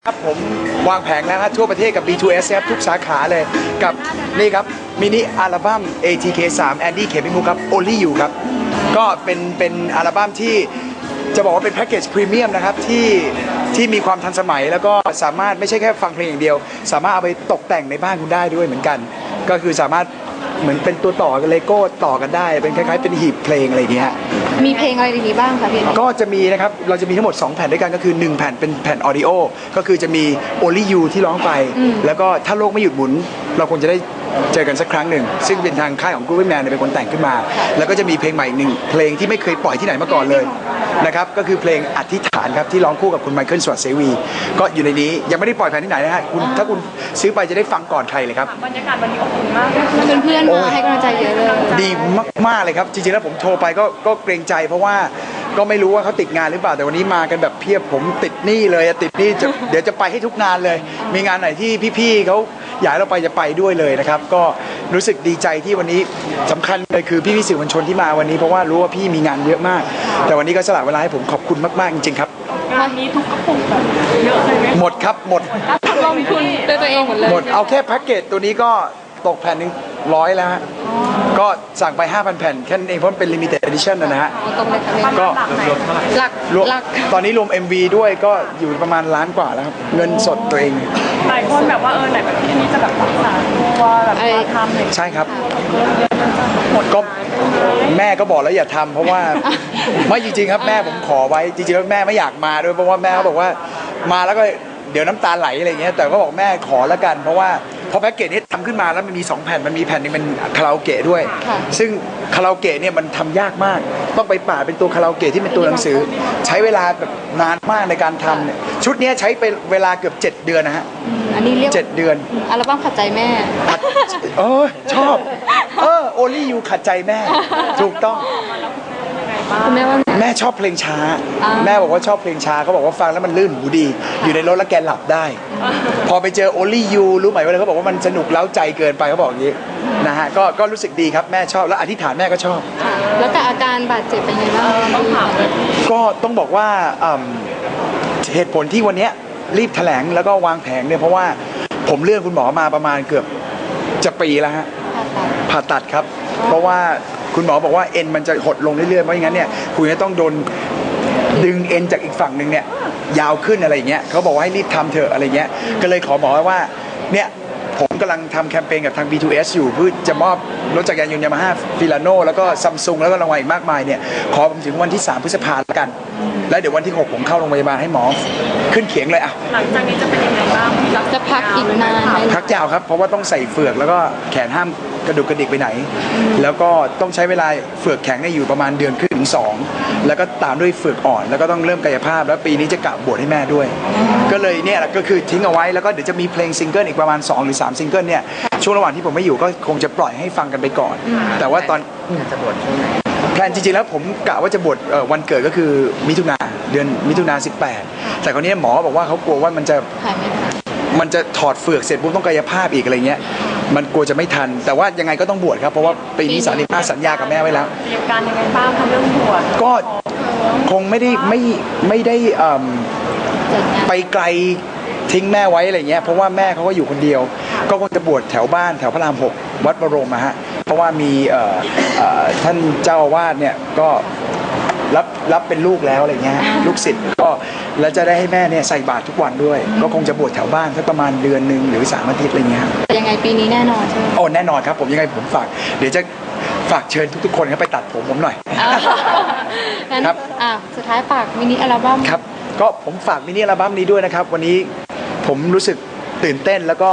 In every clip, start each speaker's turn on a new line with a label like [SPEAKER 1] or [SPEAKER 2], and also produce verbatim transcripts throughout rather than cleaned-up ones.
[SPEAKER 1] ครับผมวางแผงแล้วครับทั่วประเทศกับ บี ทู เอส ครับทุกสาขาเลยกับนี่ครับมินิอัลบั้ม เอ ที เค สาม แอนดี้ เขมิมุกครับ Only You ครับก็เป็นเป็นอัลบั้มที่จะบอกว่าเป็นแพ็กเกจพรีเมียมนะครับที่ที่มีความทันสมัยแล้วก็สามารถไม่ใช่แค่ฟังเพลงอย่างเดียวสามารถเอาไปตกแต่งในบ้านคุณได้ด้วยเหมือนกันก็คือสามารถเหมือนเป็นตัวต่อกับเลโก้ต่อกันได้เป็นคล้ายๆเป็นหีบเพลงอะไรอย่างเงี้ย
[SPEAKER 2] มีเพลงอะไรดีๆบ้างคะพี่
[SPEAKER 1] ก็จะมีนะครับเราจะมีทั้งหมดสองแผ่นด้วยกันก็คือหนึ่งแผ่นเป็นแผ่นออดิโอก็คือจะมี Only You ที่ร้องไปแล้วก็ถ้าโลกไม่หยุดหมุนเราคงจะได้เจอกันสักครั้งหนึ่งซึ่งเป็นทางค่ายของ Groovy Man เป็นคนแต่งขึ้นมาแล้วก็จะมีเพลงใหม่หนึ่งเพลงที่ไม่เคยปล่อยที่ไหนมาก่อนเลยนะครับก็คือเพลงอธิษฐานครับที่ร้องคู่กับคุณไมเคิล สวัสดิ์เสวีก็อยู่ในนี้ยังไม่ได้ปล่อยแผ่นที่ไหนนะฮะคุณถ้าคุณซื้อไปจะได้ฟังก่อนใครเลยครับ
[SPEAKER 3] บรรยากาศวันนี้อบอุ่นมาก
[SPEAKER 2] เพื่อนๆมาให้กำลังใจเยอะเลย
[SPEAKER 1] ดีมากๆเลยครับจริงๆแล้วผมโทรไปก็ก็เกรงใจเพราะว่าก็ไม่รู้ว่าเขาติดงานหรือเปล่าแต่วันนี้มากันแบบเพียบผมติดหนี้เลยติดหนี้เดี๋ยวจะไปให้ทุกงานเลยมีงานไหนที่พี่ๆเขาอยากให้เราไปจะไปด้วยเลยนะครับก็รู้สึกดีใจที่วันนี้สำคัญเลยคือพี่ๆสื่อมวลชนที่มาวันนี้เพราะว่ารู้ว่าพี่มีงานเยอะมากแต่วันนี้ก็สละเวลาให้ผมขอบคุณมากๆจริงๆครับ
[SPEAKER 3] งานนี้ทุกกระปุกแบบเยอะเลยไหม
[SPEAKER 1] หมดครับหมด
[SPEAKER 2] ลงทุนด้วยตัวเองหมดเลย
[SPEAKER 1] หมดเอาแค่แพ็กเกจตัวนี้ก็ตกแผ่นหนึ่งร้อยแล้วฮะก็สั่งไป ห้าพัน แผ่นแค่นั้นเองเพราะมันเป็น limited edition นะฮะก็
[SPEAKER 2] หลักหลัก
[SPEAKER 1] ตอนนี้รวม เอ็ม วี ด้วยก็อยู่ประมาณล้านกว่าแล้วครับเงินสดตัวเอง
[SPEAKER 3] หลายคนแบบว่าเออไหนแบบที่นี้จะแบบรักษาตัวแบบมาทำเลย
[SPEAKER 1] ใช่ครับก็แม่ก็บอกแล้วอย่าทำเพราะว่าไม่จริงๆครับแม่ผมขอไว้จริงๆแล้วแม่ไม่อยากมาด้วยเพราะว่าแม่เขาบอกว่ามาแล้วก็เดี๋ยวน้ำตาไหลอะไรเงี้ยแต่ก็บอกแม่ขอแล้วกันเพราะว่าพอแพ็กเกจนี้ทำขึ้นมาแล้วมันมีสองแผ่นมันมีแผ่นนึงเป็นคาราโอเกะด้วยซึ่งคาราโอเกะเนี่ยมันทำยากมากต้องไปป่าเป็นตัวคาราโอเกะที่เป็นตัวหนังสือใช้เวลาแบบนานมากในการทำเนี่ยชุดนี้ใช้ไปเวลาเกือบเจ็ดเดือนนะฮะ
[SPEAKER 2] อันนี้เรียก
[SPEAKER 1] เจ็ดเดือน
[SPEAKER 2] อัลบั้มขัดใจแม่
[SPEAKER 1] เออชอบเออ Only You ขัดใจแม่ถูกต้อง
[SPEAKER 2] คุณแม่ว่า
[SPEAKER 1] แม่ชอบเพลงช้าแม่บอกว่าชอบเพลงช้าเขาบอกว่าฟังแล้วมันลื่นหูดีอยู่ในรถแล้วแกหลับได้พอไปเจอ Only You รู้ไหมว่าเขาบอกว่ามันสนุกเล้าใจเกินไปเขาบอกอย่างนี้นะฮะก็ก็รู้สึกดีครับแม่ชอบแล้วอธิษฐานแม่ก็ชอบ
[SPEAKER 2] แล้วแต่อาการบาดเจ็บเป็นยังไงบ้างต้องถาม
[SPEAKER 1] ก็ต้องบอกว่าเหตุผลที่วันนี้รีบแถลงแล้วก็วางแผงเนี่ยเพราะว่าผมเลื่อนคุณหมอมาประมาณเกือบจะปีแล้วฮะผ่าตัดครับเพราะว่าคุณหมอบอกว่าเอ็นมันจะหดลงเรื่อยๆเพราะงั้นเนี่ยคุณจะต้องโดนดึงเอ็นจากอีกฝั่งหนึ่งเนี่ยยาวขึ้นอะไรอย่างเงี้ยเขาบอกว่าให้รีบทำเถอะอะไรเงี้ยก็เลยขอหมอว่าเนี่ยผมกำลังทำแคมเปญกับทาง บี ทู เอส อยู่เพื่อจะมอบรถจักรยานยนต์ยามาฮ่าฟิลาโน่แล้วก็ซัมซุงแล้วก็รางวัลอีกมากมายเนี่ยขอผมถึงวันที่สามพฤษภาคมแล้วกันแล้วเดี๋ยววันที่หกผมเข้าโรงพยาบาลให้หมอขึ้นเขียงเลยอ่ะ
[SPEAKER 3] หลังจากนี้จะเป็นยังไงบ้าง
[SPEAKER 2] จะพักอีกนานไหม
[SPEAKER 1] พักยาวครับเพราะว่าต้องใส่เฟือกแล้วก็แขนห้ามกระดุกกระดิกไปไหนแล้วก็ต้องใช้เวลาเฟือกแข็งเนี่ยอยู่ประมาณเดือนครึ่งถึงสองแล้วก็ตามด้วยเฟือกอ่อนแล้วก็ต้องเริ่มกายภาพแล้วปีนี้จะกะบวชให้แม่ด้วยก็เลยเนี่ยก็คือทิ้งเอาไว้แล้วก็เดี๋ยวจะมีเพลงซิงเกิลอีกประมาณสองหรือสามซิงเกิลเนี่ยช่วงระหว่างที่ผมไม่อยู่ก็คงจะปล่อยให้ฟังกันไปก่อนแต่ว่าตอนจะบวชช่วงไหนแพลนจริงๆแล้วผมกะว่าจะบวชวันเกิดก็คือมิถุนาเดือนมิถุนาสิบแปดแต่คราวนี้หมอบอกว่าเขากลัวว่ามันจะมันจะถอดเฟือกเสร็จปุ๊บต้องกายภาพอีกอะไรเงี้ยมันกลัวจะไม่ทันแต่ว่ายังไงก็ต้องบวชครับเพราะว่าปีนี้สามีป้าสัญญากับแม่ไว้แล้ว
[SPEAKER 3] เตรียมการยังไงบ้างคะเรื่องบวช
[SPEAKER 1] ก็คงไม่ได้ไม่ไม่ได้ไปไกลทิ้งแม่ไว้อะไรเงี้ยเพราะว่าแม่เขาก็อยู่คนเดียวก็คงจะบวชแถวบ้านแถวพระรามหกวัดบรมอะฮะเพราะว่ามีท่านเจ้าอาวาสเนี่ยก็รับรับเป็นลูกแล้วอะไรเงี้ยลูกศิษย์ก็แล้วจะได้ให้แม่เนี่ยใส่บาตรทุกวันด้วยก็คงจะบวชแถวบ้านสักประมาณเดือนหนึ่งหรือสามอาทิตย์อะไรเงี้ย
[SPEAKER 2] ยังไงปีนี้แน่นอนใช่ไหม
[SPEAKER 1] โอ้แน่นอนครับผมยังไงผมฝากเดี๋ยวจะฝากเชิญทุกๆคนไปตัดผมผมหน่อย
[SPEAKER 2] ครับอ่าสุดท้ายฝากมินิอัลบั้ม
[SPEAKER 1] ครับก็ผมฝากมินิอัลบั้มนี้ด้วยนะครับวันนี้ผมรู้สึกตื่นเต้นแล้วก็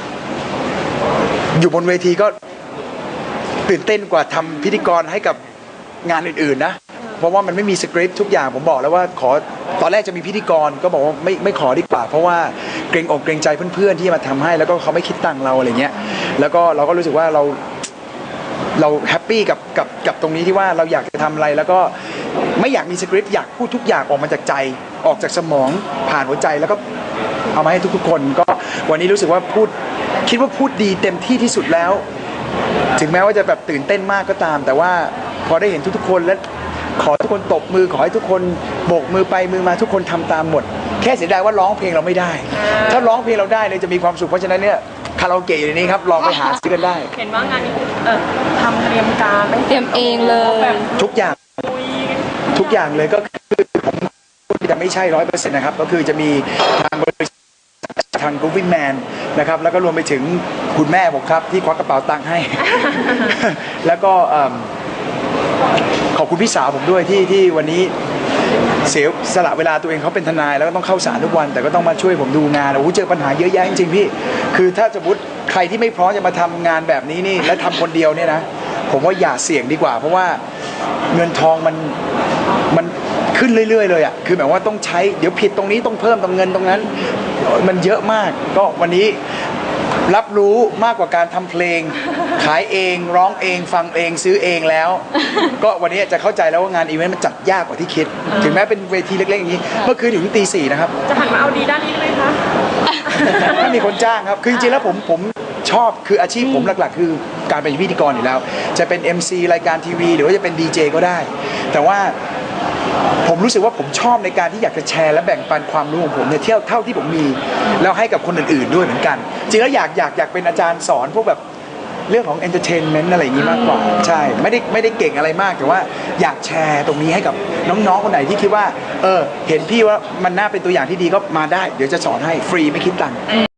[SPEAKER 1] อยู่บนเวทีก็ตื่นเต้นกว่าทำพิธีกรให้กับงานอื่นๆนะเพราะว่ามันไม่มีสคริปต์ทุกอย่างผมบอกแล้วว่าขอตอนแรกจะมีพิธีกรก็บอกว่าไม่ไม่ขอดีกว่าเพราะว่าเกรงอกเกรงใจเพื่อนๆที่มาทำให้แล้วก็เขาไม่คิดตังค์เราอะไรเงี้ยแล้วก็เราก็รู้สึกว่าเราเราแฮปปี้กับกับกับตรงนี้ที่ว่าเราอยากจะทำอะไรแล้วก็ไม่อยากมีสคริปต์อยากพูดทุกอย่างออกมาจากใจออกจากสมองผ่านหัวใจแล้วก็เอามาให้ทุกๆคนก็วันนี้รู้สึกว่าพูดคิดว่าพูดดีเต็มที่ที่สุดแล้วถึงแม้ว่าจะแบบตื่นเต้นมากก็ตามแต่ว่าพอได้เห็นทุกๆคนและขอทุกคนตบมือขอให้ทุกคนโบกมือไปมือมาทุกคนทำตามหมดแค่เสียดายว่าร้องเพลงเราไม่ได้ ถ้าร้องเพลงเราได้เลยจะมีความสุขเพราะฉะนั้นเนี่ยคาราโอเกะอยู่ในนี้ครับลองไปหาซื้อกันได้
[SPEAKER 3] เห็นว่างานนี้เออทำเตรียมการไม่
[SPEAKER 2] เตรียมเองเลย
[SPEAKER 3] แบบ
[SPEAKER 1] ทุกอย่าง
[SPEAKER 3] คุย
[SPEAKER 1] ทุกอย่างเลยก็คือผมจะไม่ใช่ร้อยเปอร์เซ็นต์นะครับก็คือจะมีทางบริษัททาง Grooving Man นะครับแล้วก็รวมไปถึงคุณแม่ผมครับที่ควักกระเป๋าตังค์ให้ แล้วก็เอิ่มขอบคุณพี่สาวผมด้วยที่ที่วันนี้เสียสละเวลาตัวเองเขาเป็นทนายแล้วก็ต้องเข้าศาลทุกวัน แต่ก็ต้องมาช่วยผมดูงานโอ้โหเจอปัญหาเยอะแยะจริงๆพี่คือถ้าสมมติใครที่ไม่พร้อมจะมาทำงานแบบนี้นี่และทำคนเดียวเนี่ยนะผมว่าอย่าเสี่ยงดีกว่า เพราะว่าเงินทองมันมันขึ้นเรื่อยๆเลยอ่ะคือแบบว่าต้องใช้เดี๋ยวผิดตรงนี้ต้องเพิ่มตรงเงินตรงนั้นมันเยอะมากก็วันนี้รับรู้มากกว่าการทำเพลง ขายเองร้องเองฟังเองซื้อเองแล้ว ก็วันนี้จะเข้าใจแล้วว่างานอีเวนต์มันจัดยากกว่าที่คิด ถึงแม้เป็นเวทีเล็กๆอย่างนี้เมื่อคืนถึงตีสี่นะครับ
[SPEAKER 3] จะหันมาเอาดีด้านนี้เลยคะ
[SPEAKER 1] ถ้ามีคนจ้างครับ คือจริงๆแล้วผมผมชอบ คืออาชีพผมหลักๆ คือการเป็นพิธีกรอยู่แล้ว จะเป็น เอ็ม ซี รายการทีวี หรือว่าจะเป็นดีเจก็ได้ แต่ว่าผมรู้สึกว่าผมชอบในการที่อยากจะแชร์และแบ่งปันความรู้ของผมเนี่ยเที่ยวเท่าที่ผมมี แล้วให้กับคนอื่นๆด้วยเหมือนกัน จริงแล้วอยากอยากอยากเป็นอาจารย์สอนพวกแบบเรื่องของ entertainment อะไรอย่างนี้มากกว่า ใช่ ไม่ได้ไม่ได้เก่งอะไรมาก แต่ว่าอยากแชร์ตรงนี้ให้กับน้องๆ คนไหนที่คิดว่า เออ เห็นพี่ว่ามันน่าเป็นตัวอย่างที่ดีก็มาได้ เดี๋ยวจะสอนให้ฟรีไม่คิดตังค์